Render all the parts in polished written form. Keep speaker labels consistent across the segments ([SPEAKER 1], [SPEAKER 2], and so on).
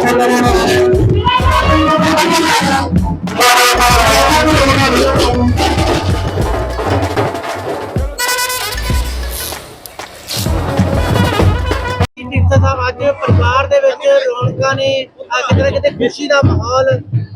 [SPEAKER 1] ਸਾਹਿਬ ਅੱਜ ਪਰਿਵਾਰ ਦੇ ਵਿੱਚ ਰੌਣਕਾਂ ਨੇ ਕਿਤੇ ਨਾ ਕਿਤੇ ਖੁਸ਼ੀ ਦਾ ਮਾਹੌਲ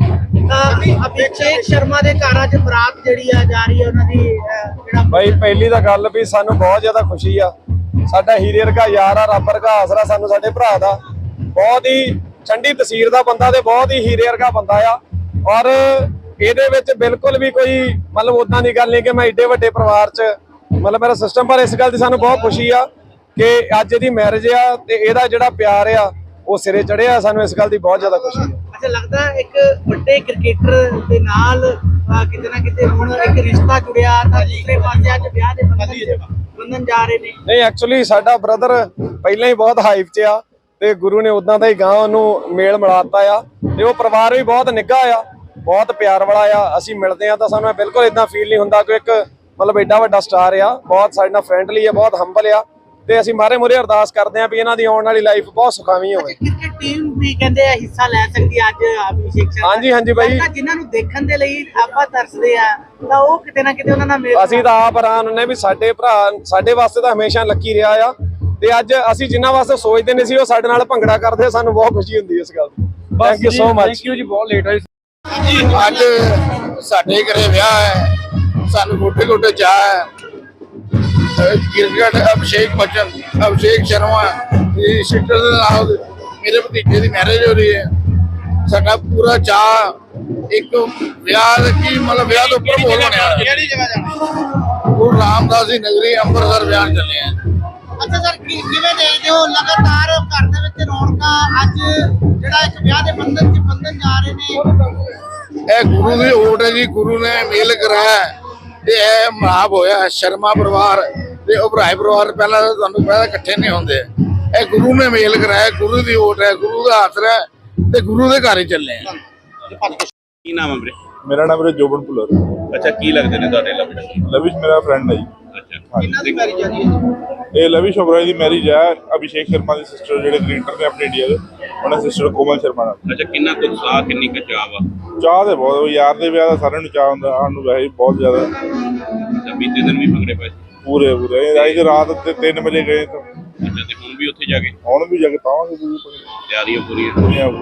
[SPEAKER 1] ਅਭਿਸ਼ੇਕ ਸ਼ਰਮਾ ਦੇ ਘਰ ਅੱਜ ਬਰਾਤ ਜਿਹੜੀ ਆ ਜਾ ਰਹੀ ਹੈ ਉਹਨਾਂ ਦੀ ਜਿਹੜਾ
[SPEAKER 2] ਬਾਈ ਪਹਿਲੀ ਤਾਂ ਗੱਲ ਵੀ ਸਾਨੂੰ ਬਹੁਤ ਜ਼ਿਆਦਾ ਖੁਸ਼ੀ ਆ। ਸਾਡਾ ਹੀਰੇ ਵਰਗਾ ਯਾਰ ਆ, ਰੱਬ ਵਰਗਾ ਆਸਰਾ ਸਾਨੂੰ ਸਾਡੇ ਭਰਾ ਦਾ। ਬਹੁਤ ਹੀ ਠੰਡੀ ਤਸੀਰ ਦਾ ਬੰਦਾ ਤੇ ਬਹੁਤ ਹੀ ਹੀਰੇ ਵਰਗਾ ਬੰਦਾ ਆ। ਔਰ ਇਹਦੇ ਵਿੱਚ ਬਿਲਕੁਲ ਵੀ ਕੋਈ ਮਤਲਬ ਉਦਾਂ ਦੀ ਗੱਲ ਨਹੀਂ ਕਿ ਮੈਂ ਏਡੇ ਵੱਡੇ ਪਰਿਵਾਰ 'ਚ ਮਤਲਬ ਮੇਰਾ ਸਿਸਟਮ, ਪਰ ਇਸ ਗੱਲ ਦੀ ਸਾਨੂੰ ਬਹੁਤ ਖੁਸ਼ੀ ਆ ਕਿ ਅੱਜ ਇਹਦੀ ਮੈਰਿਜ ਆ ਤੇ ਇਹਦਾ ਜਿਹੜਾ ਪਿਆਰ ਆ ਉਹ ਸਿਰੇ ਚੜਿਆ। ਸਾਨੂੰ ਇਸ ਗੱਲ ਦੀ ਬਹੁਤ ਜ਼ਿਆਦਾ ਖੁਸ਼ੀ ਹੈ।
[SPEAKER 1] ਅੱਛਾ, ਲੱਗਦਾ ਇੱਕ ਵੱਡੇ ਕ੍ਰਿਕਟਰ ਦੇ ਨਾਲ ਕਿਤੇ ਨਾ ਕਿਤੇ ਹੁਣ ਇੱਕ ਰਿਸ਼ਤਾ ਜੁੜਿਆ ਤਾਂ ਦੂਸਰੇ ਪਾਸੇ ਅੱਜ ਵਿਆਹ ਦੇ ਬੰਧਨ ਜਾ ਰਹੇ ਨੇ।
[SPEAKER 2] ਨਹੀਂ, ਐਕਚੁਅਲੀ ਸਾਡਾ ਬ੍ਰਦਰ ਪਹਿਲਾਂ ਹੀ ਬਹੁਤ ਹਾਈਪ 'ਚ ਆ ਤੇ ਗੁਰੂ ਨੇ ਉਦਾਂ ਦਾ ਹੀ ਗਾਂ ਉਹਨੂੰ ਮੇਲ ਮਿਲਾਤਾ ਆ ਤੇ ਉਹ ਪਰਿਵਾਰ ਵੀ ਬਹੁਤ ਨਿੱਘਾ ਆ, ਬਹੁਤ ਪਿਆਰ ਵਾਲਾ ਆ। ਅਸੀਂ ਮਿਲਦੇ ਆ ਤਾਂ ਸਾਨੂੰ ਬਿਲਕੁਲ ਇਦਾਂ ਫੀਲ ਨਹੀਂ ਹੁੰਦਾ ਕਿ ਇੱਕ ਮਤਲਬ ਏਡਾ ਵੱਡਾ ਸਟਾਰ ਆ। ਬਹੁਤ ਸਾਡੇ ਨਾਲ ਫਰੈਂਡਲੀ ਆ, ਬਹੁਤ ਹੰਬਲ ਆ ਤੇ ਅਸੀਂ ਮਾਰੇ ਮੁਰੇ ਅਰਦਾਸ ਕਰਦੇ ਆ ਵੀ ਇਹਨਾਂ ਦੀ ਆਉਣ ਵਾਲੀ ਲਾਈਫ ਬਹੁਤ ਸੁਖਾਵੀਂ ਹੋਵੇ।
[SPEAKER 1] ਕ੍ਰਿਕਟ ਟੀਮ ਵੀ ਕਹਿੰਦੇ ਆ ਹਿੱਸਾ ਲੈ ਸਕਦੀ ਆ ਅੱਜ ਅਭਿਸ਼ੇਕ ਸ਼ਰਮਾ।
[SPEAKER 2] ਹਾਂਜੀ ਹਾਂਜੀ ਬਾਈ,
[SPEAKER 1] ਜਿਨ੍ਹਾਂ ਨੂੰ ਦੇਖਣ ਦੇ ਲਈ ਆਪਾਂ ਤਰਸਦੇ ਆ ਤਾਂ ਉਹ ਕਿਤੇ ਨਾ ਕਿਤੇ ਉਹਨਾਂ ਨਾਲ ਮੇਲ।
[SPEAKER 2] ਅਸੀਂ ਤਾਂ ਆਪ ਹੈਰਾਨ ਹੁੰਨੇ ਵੀ ਸਾਡੇ ਭਰਾ ਸਾਡੇ ਵਾਸਤੇ ਤਾਂ ਹਮੇਸ਼ਾ ਲੱਕੀ ਰਿਹਾ ਆ ਤੇ ਅੱਜ ਅਸੀਂ ਜਿਨ੍ਹਾਂ ਵਾਸਤੇ ਸੋਚਦੇ ਨਹੀਂ ਸੀ ਉਹ ਸਾਡੇ ਨਾਲ ਭੰਗੜਾ ਕਰਦੇ। ਸਾਨੂੰ ਬਹੁਤ ਖੁਸ਼ੀ ਹੁੰਦੀ ਹੈ ਇਸ ਗੱਲ ਦੀ। Thank you so much. Thank you ਜੀ, ਬਹੁਤ ਲੇਟ ਆਏ
[SPEAKER 3] ਅੱਜ ਸਾਡੇ ਘਰੇ ਵਿਆਹ ਹੈ, ਸਾਨੂੰ ਗੋਡੇ ਗੋਡੇ ਚਾਹ ਹੈ। ਕ੍ਰਿਕਟ ਅਭਿਸ਼ੇਕ ਸ਼ਰਮਾ ਦੀ ਸਿਸਟਰ ਦੇ ਨਾਲ ਮੇਰੇ ਭਤੀਜੇ ਦੀ ਮੈਰਿਜ ਹੋ ਰਹੀ ਹੈ। ਸਾਡਾ ਪੂਰਾ ਚਾਹ ਇੱਕ ਵਿਆਹ ਕੀ ਮਤਲਬ ਵਿਆਹ ਤੋਂ ਉੱਪਰ ਬੋਲ ਬਣਿਆ। ਕਿਹੜੀ ਜਗ੍ਹਾ ਜਾਣਾ? ਗੁਰੂ ਰਾਮਦਾਸ ਦੀ ਨਗਰੀ ਅੰਮ੍ਰਿਤਸਰ ਵਿਆਹ ਚੱਲੇ ਆ।
[SPEAKER 1] ਅੱਛਾ ਸਰ, ਕਿਵੇਂ ਦੇਖਦੇ ਹੋ ਲਗਾਤਾਰ ਘਰ ਦੇ ਵਿੱਚ ਰੌਣਕਾਂ ਅੱਜ ਜਿਹੜਾ ਇੱਕ ਵਿਆਹ ਦੇ ਬੰਧਨ ਜਾ ਰਹੇ ਨੇ?
[SPEAKER 3] ਇਹ ਗੁਰੂ ਦੀ ਓਟ ਹੈ ਜੀ, ਗੁਰੂ ਨੇ ਮੇਲ ਕਰਾਇਆ ਤੇ ਇਹ ਮਹਾਬ ਹੋਇਆ। ਸ਼ਰਮਾ ਪਰਿਵਾਰ ਤੇ ਉਭਰਾਏ ਪਰਿਵਾਰ ਪਹਿਲਾਂ ਤੁਹਾਨੂੰ ਪਤਾ ਇਕੱਠੇ ਨਹੀਂ ਹੁੰਦੇ। ਇਹ ਗੁਰੂ ਨੇ ਮੇਲ ਕਰਾਇਆ, ਗੁਰੂ ਦੀ ਓਟ ਹੈ, ਗੁਰੂ ਦਾ ਆਸਰਾ ਹੈ ਤੇ ਗੁਰੂ ਦੇ ਘਰ ਹੀ ਚੱਲੇ ਆ।
[SPEAKER 4] ਕੀ ਨਾਮ ਹੈ ਵੀਰੇ?
[SPEAKER 5] ਮੇਰਾ ਨਾਮ ਵੀਰੇ ਜੋਬਨ ਭੁੱਲਰ।
[SPEAKER 4] ਅੱਛਾ, ਕੀ ਲੱਗਦੇ ਨੇ ਤੁਹਾਡੇ ਲਵਿਸ਼?
[SPEAKER 5] ਲਵਿਸ਼ ਮੇਰਾ ਫਰੈਂਡ ਹੈ ਜੀ।
[SPEAKER 4] ਅੱਛਾ,
[SPEAKER 1] ਕਿੰਨਾ ਦੀ ਮੈਰਿਜ ਆ ਰਹੀ ਹੈ?
[SPEAKER 5] ਇਹ ਲਵਿਸ਼ ਓਬਰਾਏ ਦੀ ਮੈਰਿਜ ਹੈ ਅਭਿਸ਼ੇਕ ਸ਼ਰਮਾ ਦੀ ਸਿਸਟਰ ਜਿਹੜੇ ਕ੍ਰਿਕਟਰ ਨੇ ਆਪਣੇ ਇੰਡੀਆ ਦੇ, ਉਹਨਾਂ ਸਿਸਟਰ ਕੋਮਲ ਸ਼ਰਮਾ ਨਾਲ।
[SPEAKER 4] ਅੱਛਾ, ਕਿੰਨਾ ਕੁ ਉਤਸ਼ਾਹ, ਕਿੰਨੀ ਕੁ ਚਾਹ ਵਾ?
[SPEAKER 5] ਚਾਹ ਤੇ ਬਹੁਤ, ਯਾਰ ਦੇ ਵਿਆਹ ਦਾ ਸਾਰਿਆਂ ਨੂੰ ਚਾਹ ਹੁੰਦਾ, ਸਾਨੂੰ ਵੈਸੇ ਬਹੁਤ ਜ਼ਿਆਦਾ।
[SPEAKER 4] ਅੱਛਾ, ਬੀਤੇ ਦਿਨ ਵੀ ਭੰਗੜੇ ਪਏ?
[SPEAKER 5] ਪੂਰੇ ਅੱਜ ਰਾਤ ਤੇ 3 ਵਜੇ ਗਏ ਤਾਂ।
[SPEAKER 4] ਅੱਛਾ, ਤੇ ਹੁਣ ਵੀ ਉੱਥੇ ਜਾ ਕੇ?
[SPEAKER 5] ਹੁਣ ਵੀ ਜਾ ਕੇ ਪਾਵਾਂਗੇ
[SPEAKER 4] ਤਿਆਰੀਆਂ ਪੂਰੀਆਂ?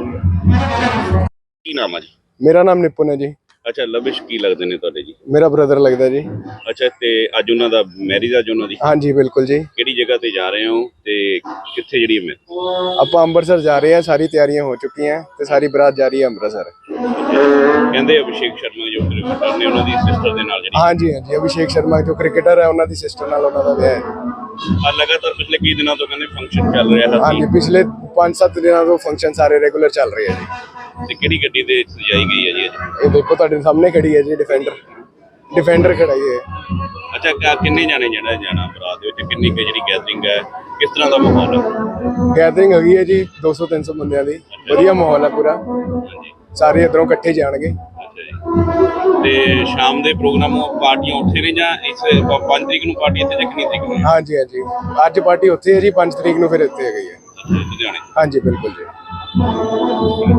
[SPEAKER 4] ਕੀ ਨਾਮ ਆ ਜੀ?
[SPEAKER 2] ਮੇਰਾ ਨਾਮ ਨਿਪੁਨ ਹੈ ਜੀ।
[SPEAKER 4] ਅੱਛਾ, ਲਵਿਸ਼ ਕੀ ਲੱਗਦੇ ਨੇ ਤੁਹਾਡੇ ਜੀ?
[SPEAKER 2] ਮੇਰਾ ਬ੍ਰਦਰ ਲੱਗਦਾ ਜੀ।
[SPEAKER 4] ਅੱਛਾ, ਤੇ ਅੱਜ ਉਹਨਾਂ ਦਾ ਮੈਰਿਜ ਅੱਜ ਉਹਨਾਂ ਦੀ?
[SPEAKER 2] ਹਾਂਜੀ ਬਿਲਕੁਲ ਜੀ।
[SPEAKER 4] ਕਿਹੜੀ ਜਗ੍ਹਾ ਤੇ ਜਾ ਰਹੇ ਹੋ ਤੇ ਕਿੱਥੇ ਜਿਹੜੀ ਹੈ?
[SPEAKER 2] ਆਪਾਂ ਅੰਮ੍ਰਿਤਸਰ ਜਾ ਰਹੇ ਹਾਂ, ਸਾਰੀ ਤਿਆਰੀਆਂ ਹੋ ਚੁੱਕੀਆਂ ਤੇ ਸਾਰੀ ਬਰਾਤ ਜਾ ਰਹੀ ਹੈ ਅੰਮ੍ਰਿਤਸਰ।
[SPEAKER 4] ਕਹਿੰਦੇ ਅਭਿਸ਼ੇਕ ਸ਼ਰਮਾ ਜੋ ਕ੍ਰਿਕਟਰ ਨੇ ਉਹਨਾਂ ਦੀ ਸਿਸਟਰ ਦੇ ਨਾਲ ਜਿਹੜੀ?
[SPEAKER 2] ਹਾਂਜੀ ਹਾਂਜੀ, ਅਭਿਸ਼ੇਕ ਸ਼ਰਮਾ ਜੋ ਕ੍ਰਿਕਟਰ ਹੈ ਉਹਨਾਂ ਦੀ ਸਿਸਟਰ ਨਾਲ ਉਹਨਾਂ ਦਾ ਵਿਆਹ ਹੈ।
[SPEAKER 4] ਲਗਾਤਾਰ ਪਿਛਲੇ ਕਈ ਦਿਨਾਂ ਤੋਂ ਕਹਿੰਦੇ ਫੰਕਸ਼ਨ ਚੱਲ ਰਿਹਾ ਹੈ।
[SPEAKER 2] ਹਾਂਜੀ, ਪਿਛਲੇ 5-7 ਦਿਨਾਂ ਤੋਂ ਫੰਕਸ਼ਨ ਸਾਰੇ ਰੈਗੂਲਰ ਚੱਲ ਰਹੇ ਆ ਜੀ।
[SPEAKER 4] ਤੇ ਕਿਹੜੀ ਗੱਡੀ ਤੇ ਸਜਾਈ ਗਈ ਹੈ ਜੀ ਅੱਜ?
[SPEAKER 2] ਇਹ ਦੇਖੋ ਤੁਹਾਡੇ ਸਾਹਮਣੇ ਖੜੀ ਹੈ ਜੀ, ਡਿਫੈਂਡਰ ਖੜਾਈ ਹੈ।
[SPEAKER 4] ਅੱਛਾ, ਕਿੰਨੇ ਜਾਣੇ ਜਾਣਾ ਬਰਾਤ ਦੇ ਵਿੱਚ? ਕਿੰਨੀ ਕੁ ਜਿਹੜੀ ਗੈਦਰਿੰਗ ਹੈ, ਕਿਸ ਤਰ੍ਹਾਂ ਦਾ ਮਾਹੌਲ ਹੈ?
[SPEAKER 2] ਗੈਦਰਿੰਗ ਹੈਗੀ ਹੈ ਜੀ 200-300 ਬੰਦਿਆਂ ਦੀ। ਵਧੀਆ ਮਾਹੌਲ ਹੈ ਪੂਰਾ,
[SPEAKER 4] ਹਾਂਜੀ,
[SPEAKER 2] ਸਾਰੇ ਇੱਧਰੋਂ ਇਕੱਠੇ ਜਾਣਗੇ।
[SPEAKER 4] ਅੱਛਾ ਜੀ। ਤੇ ਸ਼ਾਮ ਦੇ ਪ੍ਰੋਗਰਾਮ ਪਾਰਟੀਆਂ ਉੱਥੇ ਨੇ ਜਾਂ ਇਸ 5 ਤਰੀਕ ਨੂੰ ਪਾਰਟੀ ਇੱਥੇ ਜਾਂ ਕਿੰਨੀ ਤਰੀਕ ਨੂੰ?
[SPEAKER 2] ਹਾਂਜੀ ਹਾਂਜੀ, ਅੱਜ ਪਾਰਟੀ ਉੱਥੇ ਹੈ ਜੀ, 5 ਤਰੀਕ ਨੂੰ ਫਿਰ ਇੱਥੇ ਹੈਗੀ ਹੈ।
[SPEAKER 4] ਅੱਛਾ, ਲੁਧਿਆਣੇ?
[SPEAKER 2] ਹਾਂਜੀ ਬਿਲਕੁਲ ਜੀ।